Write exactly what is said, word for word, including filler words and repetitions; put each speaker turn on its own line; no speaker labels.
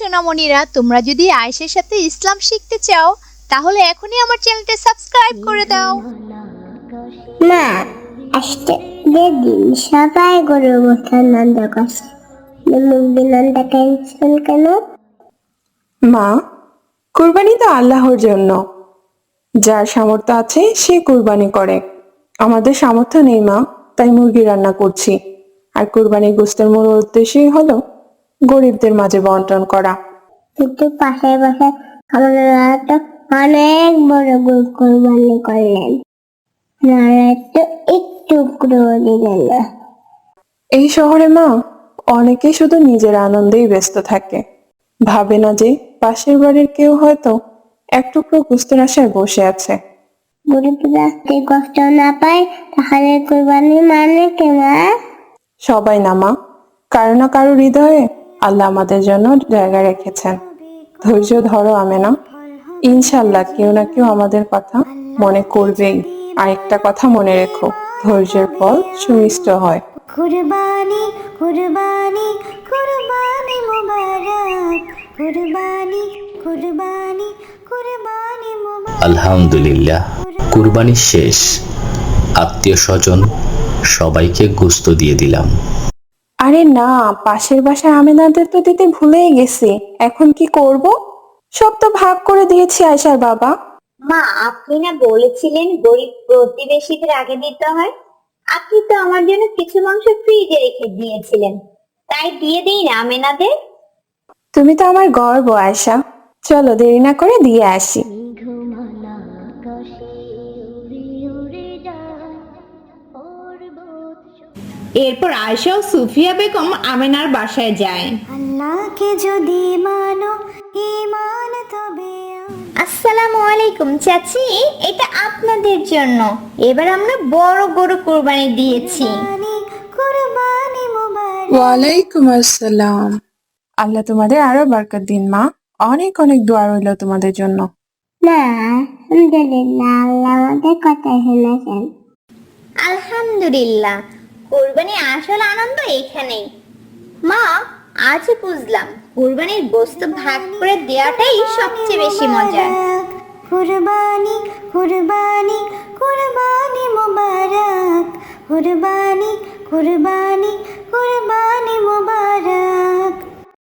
সোনামণিরা, তোমরা যদি আয়েশার সাথে ইসলাম শিখতে চাও তাহলে এখনই আমার চ্যানেলটা সাবস্ক্রাইব করে দাও।
মা, আজকে দিন সবাই গরু গোস্তের নন্দ করছে, মুরগি নন্দ ক্যান্সেল কেন?
মা, কুরবানি তো আল্লাহর জন্য। যার সামর্থ্য আছে সে কুরবানি করে। আমাদের সামর্থ্য নেই মা, তাই মুরগি রান্না করছি। আর কুরবানির গোস্তের মূল উদ্দেশ্যই হলো গরিবদের মাঝে বন্টন করা।
কিন্তু পাশের বাসায় আমরা তো অনেক বড় গরু কোরবানি করলেন, আপনারা তো একটু করে দিলেন না।
এই শহরে মা, অনেকেই শুধু নিজের আনন্দেই ব্যস্ত থাকে, ভাবে না যে পাশের বাড়ির কেউ হয়তো এক টুকরো গোস্তের আশায় বসে আছে।
গরিবরা যদি কষ্ট না পায় তাহলে কোরবানি মানে কি মা?
সবাই না মা, কারো না কারো হৃদয়ে আল্লাহ আমাদের জন্য জায়গা রেখেছেন। ধৈর্য ধরো আমেনা, ইনশাল্লাহ কেউ না কেউ আমাদের কথা মনে করবেই। আরেকটা কথা মনে রেখো, ধৈর্যের ফল সুমিষ্ট হয়।
কুরবানি কুরবানি কুরবানি মুবারক, কুরবানি কুরবানি কুরবানি মুবারক।
আলহামদুলিল্লাহ, কুরবানি শেষ। আত্মীয় স্বজন সবাইকে গোস্ত দিয়ে দিলাম।
আরে না, পাশের বাসায় আমেনাদের তো দিতে ভুলেই গেছি। এখন কি করব? সব তো ভাগ করে দিয়েছি আয়শার বাবা।
মা, আপনি না বলেছিলেন গরিব প্রতিবেশীদের আগে দিতে হয়? আপনি তো আমার জন্য কিছু মাংস ফ্রিজে রেখে দিয়েছিলেন, তাই দিয়ে দেই না আমেনাদের।
তুমি তো আমার গর্ব আয়শা, চলো দেরি না করে দিয়ে আসি।
এরপর আয়েশা ও সুফিয়া বেগম আমেনার বাসায় যায়।
আল্লাহকে যদি মানো ঈমান তবে
আসসালামু আলাইকুম চাচি, এটা আপনাদের জন্য। এবার আমরা বড় গরু কোরবানি দিয়েছি।
কুরবানি কুরবানি মুবারক।
ওয়ালাইকুম আসসালাম। আল্লাহ তোমাদের আরো বরকত দিন মা, অনেক অনেক দোয়া রইল তোমাদের জন্য।
না, আলহামদুলিল্লাহ, আল্লাহ আমাদের কথা শুনেছেন।
আলহামদুলিল্লাহ, কোরবানির আসল আনন্দ এখানেই। মা, আজ বুঝলাম কোরবানির গোশত ভাগ করে দেওয়াটাই সবচেয়ে বেশি মজার।
কুরবানি কুরবানি কুরবানি মুবারক, কুরবানি কুরবানি কুরবানি মুবারক।